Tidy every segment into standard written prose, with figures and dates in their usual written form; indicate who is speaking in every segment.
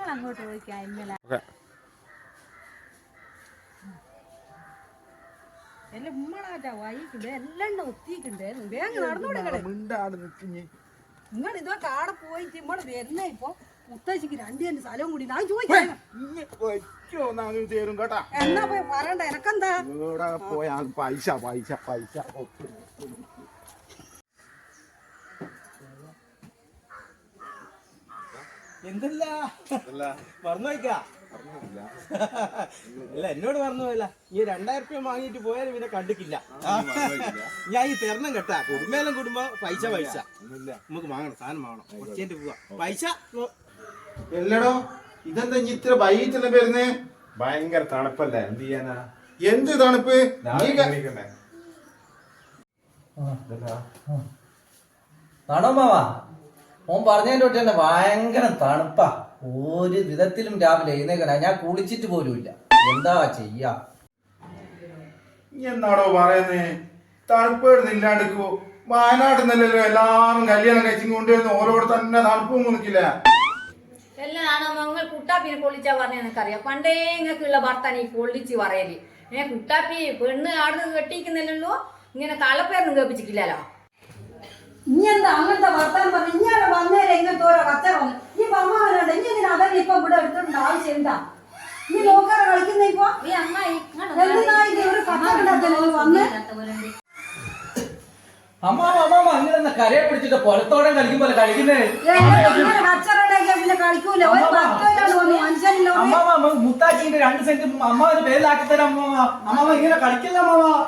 Speaker 1: അങ്ങോട്ട് പോയിക്കാം ഇന്നലെ എന്റെ ഉമ്മളാറ്റാ വൈകിണ്ട് എല്ലാം ഒത്തിയിട്ടുണ്ട് വേഗം നടന്നുകൂടെ നിങ്ങൾ ഇതൊക്കെ ആടെ പോയിട്ട് ഇമ്മള് വരുന്നേ ഇപ്പൊ മുത്തശ്ശിക്ക് 2 സെന്റ് സ്ഥലവും കൂടി ഞാൻ ചോദിക്കാം എന്നാ പോയി പറയണ്ട എനക്കെന്താ
Speaker 2: പോയാ പൈസ പൈസ പൈസ
Speaker 3: എന്തല്ല മറന്നു വയ്ക്കാ അല്ല എന്നോട് മറന്നു പോയല്ല ഈ 2000 രൂപ വാങ്ങിയിട്ട് പോയാലും പിന്നെ കണ്ടിക്കില്ല ഞാൻ ഈ തരണം കേട്ടാ കുടുംബേലും കൂടുമ്പോ പൈസ പൈസ നമുക്ക് വാങ്ങണം സാധനം വാങ്ങണം കുറച്ചേന്റെ പോവാ പൈസ
Speaker 2: എല്ലടോ ഇതെന്താ ഇത്ര വൈകിട്ടല്ലേ വരുന്നേ
Speaker 4: ഭയങ്കര തണുപ്പല്ലേ എന്ത് ചെയ്യാനാ
Speaker 2: എന്ത് തണുപ്പ്
Speaker 5: ആണോ മാവാ ഓൻ പറഞ്ഞതിന്റെ തൊട്ട് തന്നെ ഭയങ്കര തണുപ്പാ ഒരു വിധത്തിലും രാവിലെ എഴുന്നേക്കണ ഞാൻ കുളിച്ചിട്ട് പോലും ഇല്ല എന്താ ചെയ്യാ
Speaker 2: എന്നാടോ പറയുന്നേ തണുപ്പ് ഇല്ലാണ്ടിക്കോ വയനാട്ടിൽ നിന്നല്ലോ എല്ലാരും കല്യാണം കഴിച്ചും കൊണ്ടുവരുന്ന ഓരോട് തന്നെ തണുപ്പൊന്നും നിൽക്കില്ല
Speaker 6: എല്ലാണോ നിങ്ങൾ കുട്ടാപ്പിനെ പൊള്ളിച്ചാ പറഞ്ഞ നിനക്കറിയാം പണ്ടേ നിങ്ങൾക്കുള്ള ഭർത്താൻ ഈ പൊള്ളിച്ച് പറയല് കുട്ടാപ്പി പെണ്ണ് ആടുന്ന് കെട്ടിക്കുന്നില്ലല്ലോ ഇങ്ങനെ തലപ്പേരൊന്നും കേൾപ്പിച്ചിട്ടില്ലല്ലോ
Speaker 1: ഇനി എന്താ അങ്ങനത്തെ വർത്താനം പറഞ്ഞു ഇങ്ങനെ വന്നേരം ഇങ്ങനത്തെ ഓരോ കച്ചറ വന്നു ഈ അമ്മാവനുണ്ട് ഇനി ഇതിന് അതല്ല ഇപ്പൊ ഇവിടെ എടുത്തിട്ടുണ്ട് ആവശ്യം എന്താ നീ നോക്കാതെ കളിക്കുന്ന ഇപ്പൊ ഒരു കച്ചറ വന്ന്
Speaker 5: അമ്മാവ അങ്ങനെ കരയെ പിടിച്ചിട്ട് പൊലത്തോടെ കളിക്കുമ്പോൾ കളിക്കുന്നേ
Speaker 1: പിന്നെ കളിക്കൂല
Speaker 5: അമ്മാവ മുത്താച്ചിന്റെ 2 സെന്റ് അമ്മാവന്റെ പേരിലാക്കി തരാം അമ്മാവ ഇങ്ങനെ കളിക്കില്ല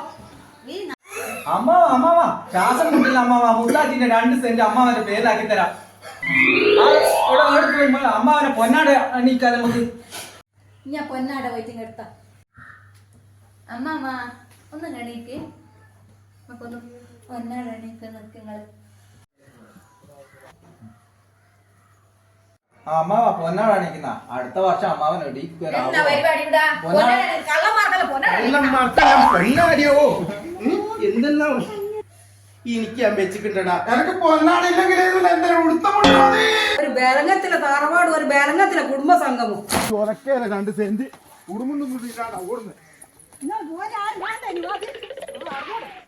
Speaker 5: അമ്മാവ ശ്വാസം കിട്ടില്ല അമ്മാവ മുത്താച്ചിന്റെ 2 സെന്റ് അമ്മാവന്റെ പേരിലാക്കി തരാം അമ്മാവനെ പൊന്നാട് എണീക്കാതെ നമുക്ക്
Speaker 6: ഞാൻ പൊന്നാട പോയിട്ട് എടുത്ത അമ്മാമ്മ ഒന്ന് എണീക്ക് നമുക്കൊന്ന് പൊന്നാട എണീക്ക് നിൽക്കുന്നത്
Speaker 5: അമ്മാവ പൊന്നാട് എണീക്കുന്ന അടുത്ത വർഷം അമ്മാവൻ
Speaker 3: എന്തെല്ലാം എനിക്ക് ഞാൻ വെച്ചിട്ടുണ്ടടാ
Speaker 2: എനക്ക് പൊന്നാടില്ലെങ്കിൽ
Speaker 1: ഒരു ബേലങ്ങത്തിലെ താറവാട് ഒരു ബേലങ്ങത്തിലെ കുടുംബ സംഗമം
Speaker 2: ചൊരക്കേല 2 സെന്റ് ഉടുമുണ്ടൊന്നും ഓടുന്നത്